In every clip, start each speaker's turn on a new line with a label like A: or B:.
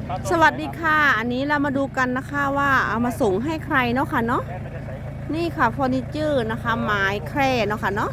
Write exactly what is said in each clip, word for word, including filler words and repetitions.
A: สวัสดีค่ะอันนี้เรามาดูกันนะคะว่าเอามาส่งให้ใครเนาะค่ะเนาะนี่ค่ะเฟอร์นิเจอร์นะคะไม้แคร่เนาะค่ะเนาะ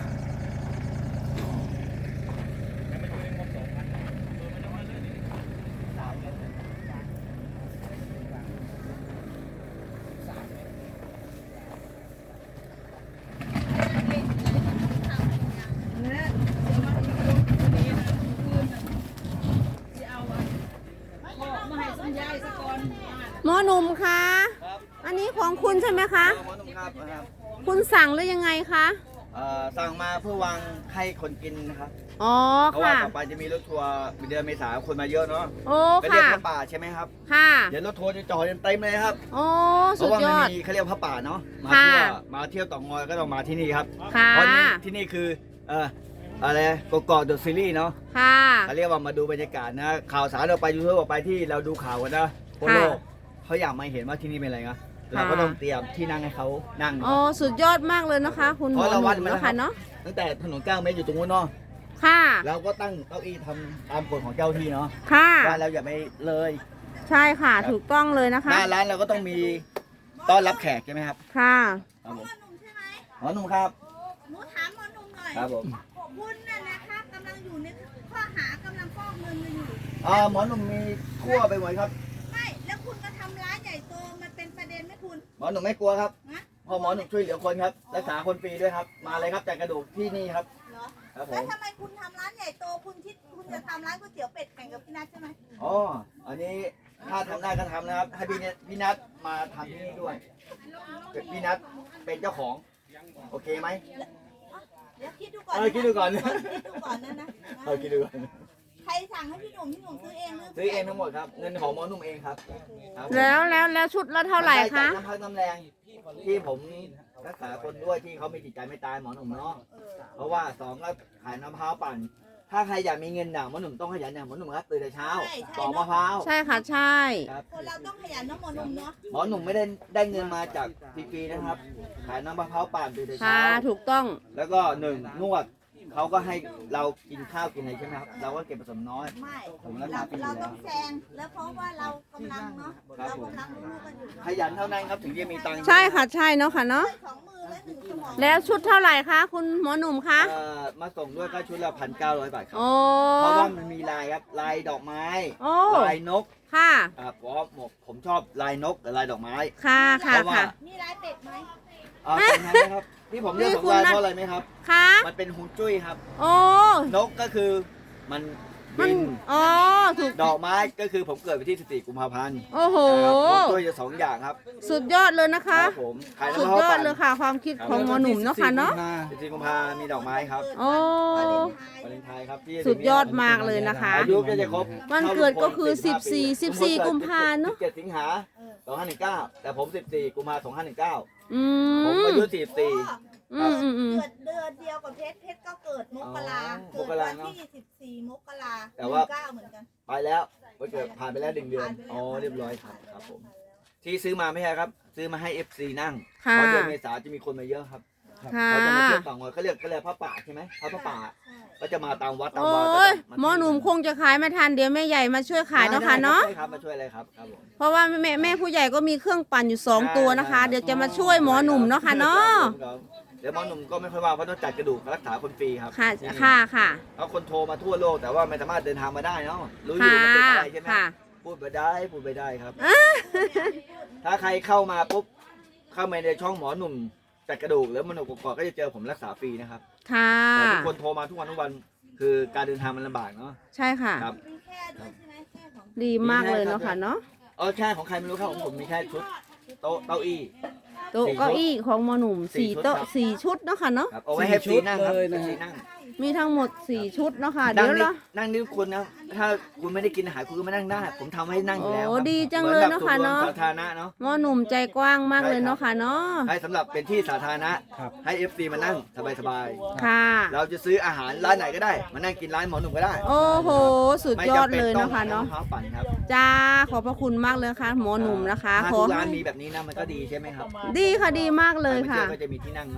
A: หมอหนุ่มคะอันนี้ของคุณใช่ไหมคะ
B: หมอหนุ่มครับนะครับ
A: คุณสั่งหรือยังไงคะ
B: เอ่อสั่งมาเพื่อวางให้คนกินนะครับ
A: อ๋อ
B: เพราะว่า
A: ค่ะ
B: ต่อไปจะมีรถทัวร์เดือนเมษาคนมาเยอะเนาะ
A: โอ้
B: ไปเรียก
A: ค่ะ
B: พระป่าใช่ไหมครับ
A: ค่ะ
B: เดี๋ยวรถทัวร์จะจอดเต็มเลยครับ
A: โอ้
B: เพ
A: สุด
B: ราะว่าย มัน
A: อด
B: มีเขาเรียกพระป่าเนาะมา
A: ค่ะ
B: เที่ยวมาเที่ยวต่องอยก็ต้องมาที่นี่ครับ
A: ค่ะ
B: เพราะนี่ที่นี่คือเอ่ออะไรกกอกเดอะซีรีส์เนาะ
A: ค่ะ
B: เขาเรียกว่ามาดูบรรยากาศนะข่าวสารเราไปยูทูบออกไปที่เราดูข่าวกันนะทั่วโลกเขาอยากมาเห็นว่าที่นี่เป็นอะไรนะเราก็ต้องเตรียมที่นั่งให้เขานั่ง
A: โอ้สุดยอดมากเลยนะคะ คุณหมอหนุ่มเนาะค่ะเนาะ
B: ตั้งแต่ถนนเก้าเมตรอยู่ตรงนู้นเนาะ
A: ค่ะ
B: เราก็ตั้งเก้าอี้ทำตามกฎของเจ้าที่เนาะ
A: ค่ะ
B: ว่าเราอย่าไปเลย
A: ใช่ค่ะถูกต้องเลยนะคะ
B: หน้าร้านเราก็ต้องมีต้อนรับแขกใช่ไหมครับ
A: ค่ะ
B: ครับผม
C: หมอหนุ่มใช่ไหม
B: หมอหนุ่มครับ
C: หนูถามหมอหนุ่มหน่อย
B: ครับผม
C: คุณน่ะนะคะกำลังอยู่ในข้อหากำลังฟอกเงินอยู่
B: อ่าหมอหนุ่มมีทั่วไปหมดครับ
C: ไม่แล้วคุณก็ทำร้านใหญ่โตมันเป็นประเด็นไหมคุณ
B: หมอหนุ่มไม่กลัวครับ
C: นะ
B: เพอหมอหนุ่มช่วยเหลือคนครับรักษาคนฟรีด้วยครับมาเลยครับจากกระดูกที่นี่ครับ
C: เหรอ
B: ครับผ
C: แล้ว
B: ม
C: ทำไมคุณทำร้านใหญ่โตคุณคิดคุณจะทำร้านก๋วยเตี๋ยวเป็ดแข่งกับพี่นัทใช่ไหม
B: อ๋ออันนี้ถ้าทำได้ก็ทำนะครับให้พี่เนพี่นัทมาทำที่นี่ด้วยพี่นัทเป็นเจ้าของโอเคไหม
C: เดี๋ยวคิดดูก่อน
B: เออคิดดูก่อน
C: คิดดูก่อนนะนะ
B: เอาคิดดูก่อน
C: ใครสั่งให้พี่หนุ่มพี่หนุ่มซื้อเองหรือ
B: ซื้อเองทั้งหมดครับเงินของหมอหนุ่มเองครับครับผม
A: แล้วแล้วแล้วชุดละเท่าไหร่คะ
B: น้ำพักน้ำแรงที่ผมรักษาคนด้วยที่เขาไม่จิตใจไม่ตายหมอหนุ่มเนาะ
C: เออ
B: เพราะว่าสองก็ขายน้ำมะพร้าวปั่น ถ้าใครอยากมีเงินด่างหมอหนุ่มต้องขยันอย่างหมอหนุ่มครับตื่นแต่เช้าปอกมะพร้าว
A: ใช่ค่ะใช่
B: ครับ
C: คนเราต้องขยันเน้องหมอหนุ่มเนาะ
B: หมอหนุ่มไม่ได้ได้เงินมาจากฟรีๆนะครับ ขายน้ำมะพร้าวปั่นตื่นแต่
A: ค่ะ
B: เช้า
A: ถูกต้อง
B: แล้วก็หนึ่งนวดเขาก็ให้เรากินข้าวกินอะไรใช่ไหมครับ เราก็เก็บผสมน้อย
C: ไม่
B: ผมรั
C: เรา
B: กษาฟรีอยู่
C: เรา
B: แล้
C: ต้อ
B: ว
C: งแซงแล้วเพราะว่าเรากำลังเนาะเรากำลังรู้กันอยู่เนาะ
B: ขยันเท่านั้นครับถึงจะมีตังค์
A: ใช่ค่ะใช่เนาะค่ะเนาะ
C: สองมือและหนึ่งสมอง
A: แล้วชุดเท่าไหร่คะคุณหมอหนุ่มคะ
B: เอ่อมาส่งด้วยก็ชุดละพันเก้าร้อยบาทครับ
A: โอ้
B: เพราะว่ามันมีลายครับลายดอกไม้
A: โอ้
B: ลายนก
A: ค่ะ
B: อ่าเพราะผมผมชอบลายนกกับลายดอกไม้
A: ค่ะค่ะ
B: เพราะว่า
A: ค่ะ
C: นี่ลายเป็ดไหม
B: อ่าเป็นไงนะครับที่ผมเลือกสองลายเพราะอะไรไหมครับ
A: ค่ะ
B: มันเป็นฮวงจุ้ยครับ
A: โอ้
B: นกก็คือมัน
A: มัน
B: บิน
A: อ๋อถูก
B: ดอกไม้ก็คือผมเกิดวันที่สิบสี่กุมภาพันธ์
A: โอ้โห
B: ฮวงจุ้ยจะสองอย่างครับ
A: สุดยอดเลยนะคะ
B: ครับผมขาย
A: สุด
B: น้ำมะพร้าวย
A: อด
B: ปั่น
A: เลยค่ะ ความคิดของหมอหนุ่มเนาะค่ะเนาะ
B: สิบสี่กุมภามีดอกไม้ครับ
A: โอ้
B: วาเลนไทน์ครับที่
A: สุดยอดมากเลยนะคะ
B: อายุก็จะครบ
A: วันเกิดก็คือสิบสี่ สิบสี่กุมภาเนอะ
B: สิบเจ็ดสิงหาสองห้าหนึ่งเก้าแต่ผมสิบสี่กุมภาสองห้าหนึ่งเก้า
A: อื
B: ผม
A: ม
B: อายุสี่สิบสี่
A: อืมอืมอืม
C: เกิดเดือนเดียวกับเพชรเพชรก็เกิดมกรา
B: อ๋อ
C: เกิดวัน
B: มกราเนอะ
C: ที่สิบสี่มกรา
B: แต่ว่า
C: เก้าเหมือนกัน
B: ไปแล้ววันเกิดผ่านไปแล้วหนึ่งเดือน
C: ผ่านไปแล้ว
B: อ๋อเรียบร้อยครับครับผมที่ซื้อมาไม่ใช่ครับ ซื้อมาให้ เอฟ ซี นั่ง
A: ค่ะ
B: เพราะเดือนเมษาจะมีคนมาเยอะครับ
A: ค่ะ
B: เขาจะมาเที่ยวต่างวัดเขาเรียกเขาเรียกพระป่าใช่ไหมพระพระป่า
C: ใช่
B: ก็จะมาตามวัดตาม
A: โอ้
B: วาก็
A: ย
B: จะา
A: หมอหนุ่มคงจะขายไม่ทันเดี๋ยวแม่ใหญ่มาช่วยขายเนาะค่ะเนาะ
B: ใช่ครับมาช่วยอะไรครับครับผม
A: เพราะว่าแม่แม่ผู้ใหญ่ก็มีเครื่องปั่นอยู่สองตัวนะคะ เดี๋ยวจะมาช่วยหมอหนุ่มเนาะค่ะเนาะ
B: ครับเดี๋ยวหมอหนุ่มก็ไม่ค่อยว่าเพราะต้องจัดกระดูกรักษาคนฟรีครับ
A: ค่ะ
B: ที่นี่
A: ค่ะค่ะ
B: แล้วคนโทรมาทั่วโลกแต่ว่าไม่สามารถเดินทางมาได้เนาะรู้อยู่
A: ค่ะ
B: มันติดอะไรใช่ไหม
A: ค่ะ
B: พูดไปได้พูดไปได้ครับ ถ้าใครเข้ามาปุ๊บเข้ามาในช่องหมอหนุ่มจัดกระดูกแล้วมโนกกอกก็จะเจอผมรักษาฟรีนะครับ
A: ค่ะ
B: แต่ทุกคนโทรมาทุกวันทุกวันคือการเดินทางมันลำบากเนาะ
A: ใช่ค่ะ
B: ครับ
C: มีแค่ด้วยใช่ไหมแค่ของ
A: ดีมากเลยเนาะค่ะเนาะ
B: เออแค่ของใครไม่รู้ครับของผมมีแค่ชุดโต๊ะเก้าอี้
A: โต๊ะเก้าอี้ของหมอหนุ่ม
B: สี่
A: สี่
B: ชุด
A: โต๊ะ
B: ครับ
A: สี่ชุดเนาะค่ะเนาะ
B: ครับเอาไว้ให้ฟรีนั่งครับ
D: เลยนะ
B: ฟ
D: ฮะ
B: รีนั่ง
A: มีทั้งหมดสี่ชุดเนาะค่ะ
B: นั่
A: เดี๋
B: ง
A: ยว
B: นี่
A: เรา
B: นั่งนี่คุณนะถ้าคุณไม่ได้กินอาหารคุณก็มานั่งได้ ผมทำให้นั่งอยู่แล้ว
A: โอ้
B: ครับ
A: ดีจังเลยเนอะค่ะเนอะ
B: หมือแบบส่วรวมสาธารณะเนาะ
A: หมอหนุ่มใจกว้างมากเลยเนาะค่ะเนาะ
B: ให้สำหรับเป็นที่สาธารณะ
D: ครับ
B: ให้ เอฟ ซี มานั่งสบาย
A: ค่ะ
B: ๆเราจะซื้ออาหารร้านไหนก็ได้ มานั่งกินร้านหมอหนุ่มก็ได้
A: โอ้โห สุด
B: ไม่
A: ยอด
B: จำเป็น
A: เลย
B: ต้อง
A: เนาะค่ะเนาะ
B: มพร้าวปั่นครับ
A: จ้า ขอบพระคุณมากเลยค่ะ หมอหนุ่มนะคะ
B: ถ้า
A: ขอ
B: ทุกร้าน
A: ให้
B: มีแบบนี้นะมันก็ดีใช่ไหมครับ
A: ดีค่ะดีมากเลยค่ะ
B: ใรมาที่วก็จะมีที่นั่งเนาะ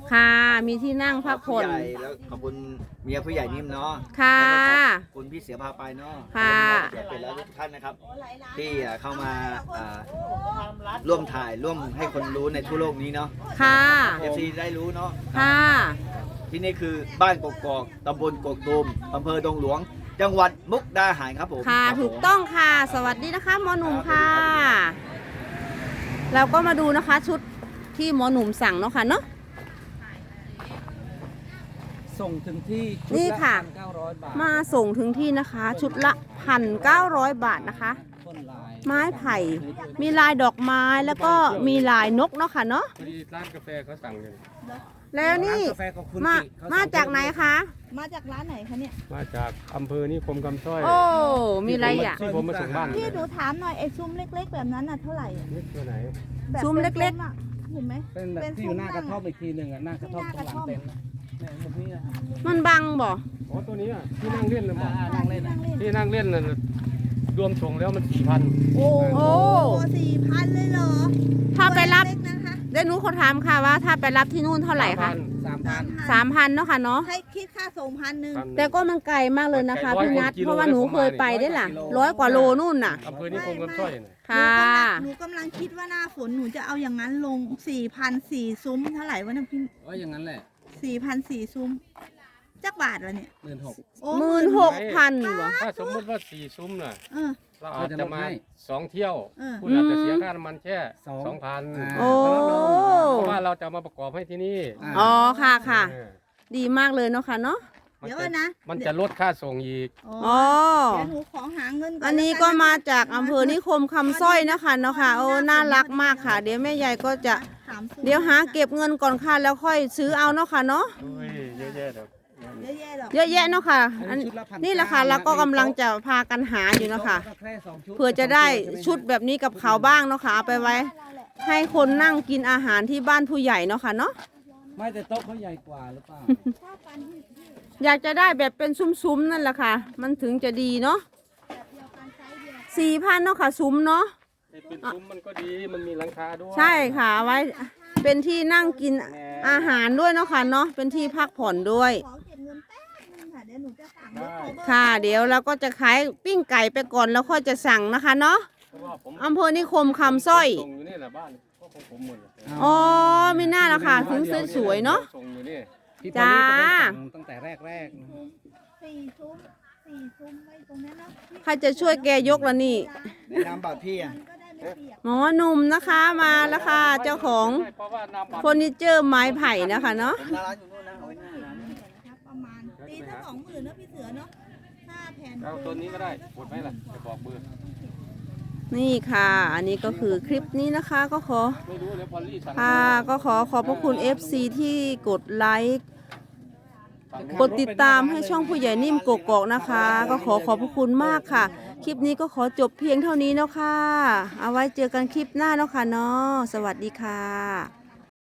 A: ค่ะ มีที่นั่งพักผ่อน
B: ผู้ใหญ่แล้วขอบคุณเมียผู้ใหญ่นิ่มเนาะ
A: ค่ะ
B: แล้วก็ขอบคุณพี่เสือพาไปเนาะ
A: ค่ะ
B: เกียรติเป็นแล้วทุกท่านนะครับ ที่เข้ามาอ่าร่วมถ่ายร่วมให้คนรู้ในทั่วโลกนี้เนาะ
A: ค่ะ
B: เอฟซีได้รู้เนาะ
A: ค่ะ
B: ที่นี่คือบ้านกกอกตำบลกกตูมอำเภอดงหลวง จังหวัดมุกดาหารครับผม
A: ค่ะ
B: รับผม
A: ถูกต้องค่ะ สวัสดีนะคะหมอหนุ่มค่ะ เราก็มาดูนะคะชุดที่หมอหนุ่มสั่งเนาะค่ะเนาะ
D: ส่งถึงที่ชุด
A: นี่
D: ละ
A: ค่ะ
D: พันเก้าร้อยบาท
A: มาส่งถึงที่นะคะ ชุดละพันเก้าร้อยบาทนะคะ
D: ต้นลาย
A: ไม้ไผ่ มีลายดอกไม้แล้วก็มีลายนกเนาะค่ะเนาะ
E: พอดีร้านกาแฟเขาสั่งอยู่
A: แล้วนี่
D: ร้ากาแฟของคุณ
A: มา
D: กิเข
A: มา
D: สั่ง
A: จากไหนคะ
C: มาจากร้านไหนคะเนี่ย
E: มาจากอำเภอนิคมคำสร้อย
A: โอ้ มีอะไรอ่ะ
E: ที่ผมมาส่งบ้าน
C: พี่หนูถามหน่อยไอ้ซุ้มเล็ก ๆ แบบนั้นน่ะเท่าไหร่อะ
E: นี่ตัวไหน
C: แบบ
A: ซุ้มเล็กๆ
C: ๆอะเห็นไหม
D: เป็นแบบ
C: เป็น
D: ที่อยู่หน้า
C: ซุ้
D: ก
C: ม
D: ระ
C: นั่ง
D: ท่อมอีกทีหนึ่งอ่ะหน้ากระท่อม
C: ที่ห
D: ตร
C: น้าง
D: หลัง
C: กระท่อม
D: เต็นท์นะเนี่ยมุมนี้นะ
A: มันบังบ่
E: อ๋อตัวนี้อ่ะที่นั่งเล่นนะบอก
D: อ่านั่งเล่นนะ
E: ที่นั่งเล่นน่ะรวมส่งแล้วมันสี่พัน
C: โอ้
A: โอ้
C: สี่พันเลยเหรอ
A: ถ้าไปรับ
C: ตัวเล็กๆนะคะ
A: เดี๋ยวหนูขอถามค่ะว่าถ้าไปรับที่นู่นเท่าไหร่คะ
D: สามพัน
A: สามพันเนาะค่ะเนาะ
C: ให้คิดค่าส่งพันหนึ่ง
A: แต่ก็มันไกลมากเลยนะคะพี่นัทเพราะว่าหนูเคยไปได้ล่ะร้อยกว่าโลนู่นน่ะ
E: อำเภอนิคมคำสร้อยน่ะ
A: ค่ะ
C: หนูกำลังคิดว่าหน้าฝนหนูจะเอาอย่างนั้นลงสี่พันสี่ซุ้มเท่าไหร่วะเนะพี่
D: ว่าอย่างนั้นแหละ
C: สี่พันสี่ซุ้มจักบาทวะเนี่ย
D: หมื่นหก
C: โอ้
A: หมื่นหกพันเหรอ
E: ถ้าสมมติว่าสี่ซุ้มน่ะ
C: เออ
E: เราอาจจะมาสองเที่ยว
C: เออ
E: คุณอาจจะเสียค่าน้ำมันแค่สองพัน
A: โอ้
E: เพราะว่าเราจะเอามาประกอบให้ที่นี่
A: อ๋อค่ะค่ะ
E: เออ
A: ดีมากเลยเนาะค่ะเนาะ
E: มัน
C: เดี๋ยว
E: จะ
C: นะ
E: มันจะลดค่าส่งอีก
C: อ๋อ
A: อ๋อ
C: เดี๋ยวหนูขอหาเงินก่อน
A: อันนี้ก็มาจากอำเภอนิคมคำสร้อยนะคะเนาะค่ะโอ้น่ารักมากค่ะ เดี๋ยวแม่ใหญ่ก็จะ
C: ถามซุ้ม
A: เดี๋ยวหาเก็บเงินก่อนค่ะแล้วค่อยซื้อเอาเนาะค่ะเนาะ
E: โอ้ยเยอะแยะเดี๋ยว
C: เยอะแยะหรอก
A: เยอะแยะเนาะค่ะอัน
D: ชุดละพัน
A: นี่แหละค่ะเราก็กำลังจะพากันหาอยู่เนาะค่ะเพื่อจะได้ชุดแบบนี้กับเขาบ้างเนาะค่ะเอาไปไว้ ให้คนนั่งกินอาหารที่บ้านผู้ใหญ่เนาะค่ะเนาะ
D: ไม่แต่โต๊ะเขาใหญ่กว่าหรือเปล่า
C: ชอบปันที่
A: อยากจะได้แบบเป็นซุ้มๆนั่นแหละค่ะ มันถึงจะดีเนาะ
C: แบบเดียวกันไซส์เดียว
A: สี่พันเนาะค่ะซุ้มเนาะ
E: เป็นซุ้มมันก็ดีมันมีหลังคาด้วย
A: ใช่ค่ะเอาไว้เป็นที่นั่งกินอาหารด้วยเนาะค่ะเนาะเป็นที่พักผ่อนด้วย
C: ขอเก็บเงินแป๊บนึงค่ะเดี๋ยวหนูจะสั่งรถโคเวอร์
A: ค่ะ เดี๋ยวเราก็จะขายปิ้งไก่ไปก่อนแล้วค่อยจะสั่งนะคะเนาะ
E: เพราะว่าผม
A: อำเภอนิคมคำสร้อย
E: ส่งอยู่นี่แหละบ้านก็ของผมหมดเลย
A: อ๋อมีหน้าแล้วค่ะถึงสวยๆเนาะ
E: ส่งอยู่นี่
D: พี่พอลลี่
A: จ้า
D: ก็ได้สั่งตั้งแต่แรกๆนะ
C: สี่ซุ้มสี่ซุ้มไว้ตรงนั้นเนาะ
A: ใครจะช่วยแกยกละนี่
B: ในนามบัตรพี่อะ
C: มันก็ได้ไม่เปียก
A: หมอหนุ่มนะคะมาแล้วค่ะเจ้าของ
E: เพราะว่าน้ำบัตร
A: เฟอร์นิเจอร์ไม้ไผ่นะคะเนาะ
B: ผมหน้าร้านอยู่นู่นนะเอาไว้หน้าร้าน
C: เดี๋ยวนะคะประมาณตีถ้าสองหมื่นเนาะพี่เสือเนาะค่าแผ่น
E: เอาตัวนี้ก็ได้กดไหมล่ะจะบอกเบอร์
A: นี่ค่ะ อันนี้ก็คือคลิปนี้นะคะก็ขอ
E: ไม่รู้เดี๋ยวพอลลี่สั่ง
A: ค่ะก็ขอขอบพระคุณ เอฟ ซี ที่กดไลค์กดติดตามให้ช่องผู้ใหญ่นิ่มกกอกนะคะ ก็ขอขอบพระคุณมากค่ะ คลิปนี้ก็ขอจบเพียงเท่านี้เนาะค่ะ เอาไว้เจอกันคลิปหน้าเนาะค่ะเนาะสวัสดีค่ะ